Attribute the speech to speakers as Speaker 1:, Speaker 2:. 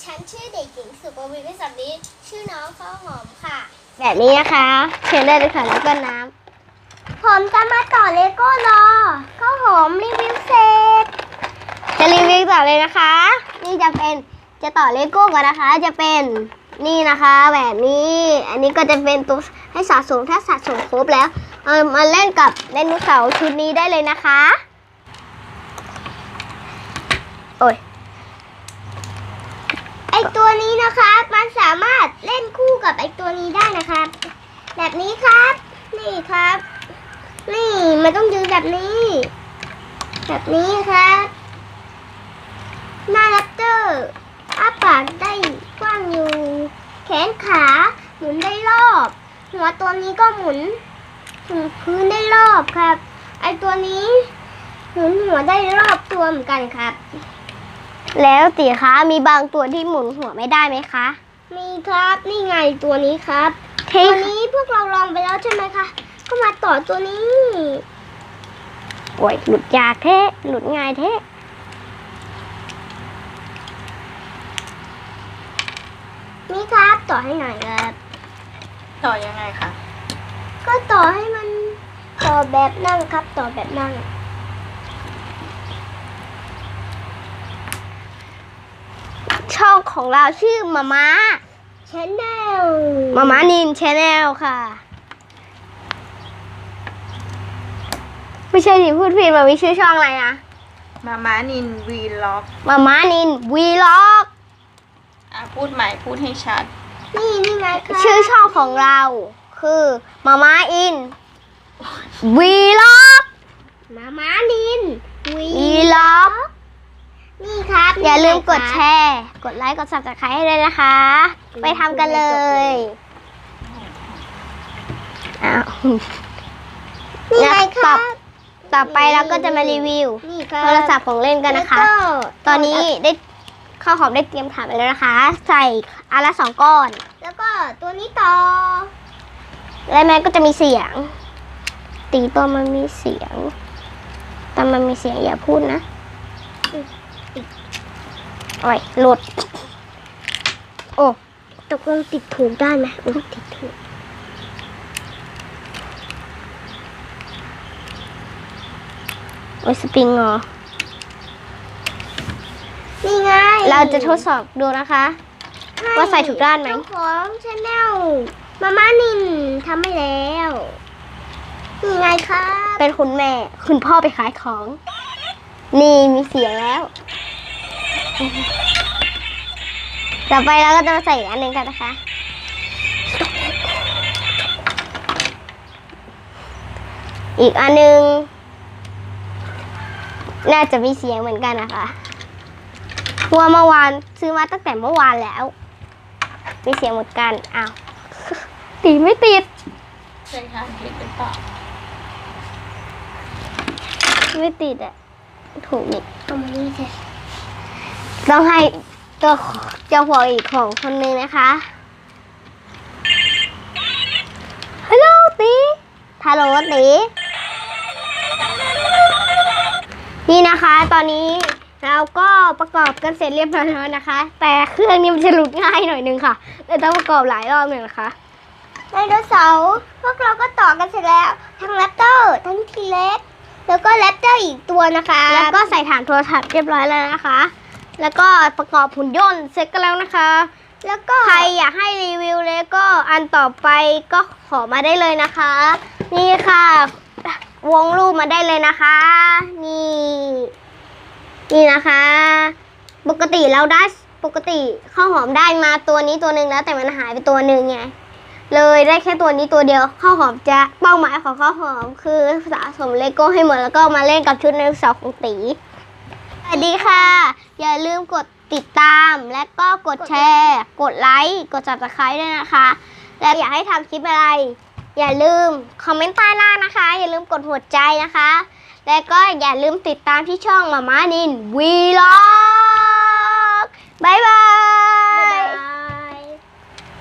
Speaker 1: ฉันชื่อเด็กหญิงสุปวีวิสัมฤทธิ์ชื่อน้องข้าวหอมค่ะ
Speaker 2: แบบนี้นะคะเชิญได้เลยค่ะแล้วก็น้ำผมจะมาต่อเลโก้รอข้าวหอมรีวิวเสร็จจะรีวิวต่อเลยนะคะ นี่จะต่อเลโก้ก่อนนะคะ จะเป็นนี่นะคะแบบนี้อันนี้ก็จะเป็นตัวให้สะสมถ้าสะสมครบแล้วมาเล่นกับไดโนเสาร์ชุดนี้ได้เลยนะคะโอ้ยไอตัวนี้นะคะมันสามารถเล่นคู่กับไอตัวนี้ได้นะครับแบบนี้ครับนี่ครับ นี่มันต้องยืนแบบนี้ครับหน้าแรปเตอร์อ้าปากได้กว้างอยู่แขนขาหมุนได้รอบหัวตัวนี้ก็หมุนถึงพื้นได้รอบครับไอตัวนี้หมุนหัวได้รอบตัวเหมือนกันครับแล้วตีคะมีบางตัวที่หมุนหัวไม่ได้ไหมคะมีครับนี่ไงตัวนี้ครับตัวนี้พวกเราลองไปแล้วใช่ไหมคะก็มาต่อตัวนี้โอ้ยหลุดยากแท้หลุดง่ายแท้นี่ครับต่อให้หน่อยครับ
Speaker 3: ต่อยังไงคะ
Speaker 2: ก็ต่อให้มันต่อแบบนั่งครับต่อแบบนั่งช่องของเราชื่อมาม่าชาแนลมาม่านินชาแนลค่ะไม่ใช่ดิพูดผิดมามีชื่อช่องอะไรนะ
Speaker 3: มาม้านินวีล็อก
Speaker 2: มาม่านินวีล็อก
Speaker 3: พูดใหม่พูดให้ชัด
Speaker 2: นี่ไงคะชื่อช่องของเราคือมาม่าอินวีล็อกมาม่านินวีล็อกนี่ครับอย่าลืมกดแชร์กดไลค์กด Subscribe ให้ด้วยนะคะไปทำกันเลยอ้าวนี่ไงครับต่อไปเราก็จะมารีวิวโทรศัพท์ของเล่นกันนะคะตอนนี้ได้ข้าวหอมได้เตรียมถาดไปแล้วนะคะใส่อันละ2 ก้อนแล้วก็ตัวนี้ต่อและแม่ก็จะมีเสียงตีตัวมันมีเสียงแต่มันมีเสียงอย่าพูดนะโอ้ยหลุดโอ้ตกลงติดถูกได้ไหมติดถูกโอ้ยสปริงเหรอนี่ไงเราจะทดสอบดูนะคะว่าใส่ถูกด้านไหมของชาแนลมาม่านินทำให้แล้วนี่ไงคะเป็นคุณแม่คุณพ่อไปขายของนี่มีเสียงแล้วต่อไปเราก็จะมาใส่อีกอันหนึ่งกันนะคะอีกอันหนึ่งน่าจะมีเสียงเหมือนกันนะคะเพราะว่าเมื่อวานซื้อมาตั้งแต่เมื่อวานแล้วมีเสียงเหมือนกันอ้าวติดไม่ติด
Speaker 3: ใช่ค่ะติดหรือเปล่า
Speaker 2: ไม่ติดอ่ะถูกนี่เอามานี่สิต้องให้ตัวเจ้าของอีกของคนนึงนะคะฮัลโหลตีฮัลโหลตีนี่นะคะตอนนี้เราก็ประกอบกันเสร็จเรียบร้อยแล้วนะคะแต่เครื่องนี้มันจะหลุดง่ายหน่อยนึงค่ะเลยต้องประกอบหลายรอบหนึ่งนะคะไดโนเสาร์พวกเราก็ต่อกันเสร็จแล้วทั้งแรปเตอร์ทั้งทีเล็กแล้วก็แรปเตอร์อีกตัวนะคะแล้วก็ใส่ฐานโทรทัศน์เรียบร้อยแล้วนะคะแล้วก็ประกอบหุ่นยนต์เสร็จกันแล้วนะคะแล้วก็ใครอยากให้รีวิวเลยก็อันต่อไปก็ขอมาได้เลยนะคะนี่ค่ะวงรูปมาได้เลยนะคะนี่นะคะปกติข้าวหอมได้มาตัวนี้ตัวหนึ่งแล้วแต่มันหายไปตัวหนึ่งไงเลยได้แค่ตัวนี้ตัวเดียวข้าวหอมจะเป้าหมายของข้าวหอมคือสะสมเลโก้ให้หมดแล้วก็มาเล่นกับชุดไดโนเสาร์ของตีสวัสดีค่ะอย่าลืมกดติดตามและก็กดแชร์กดไลค์กด Subscribe ด้วยนะคะและอยากให้ทำคลิปอะไรอย่าลืมคอมเมนต์ใต้ล่างนะคะอย่าลืมกดหัวใจนะคะและก็อย่าลืมติดตามที่ช่องมาม่านินวีล็อกบ๊ายบาย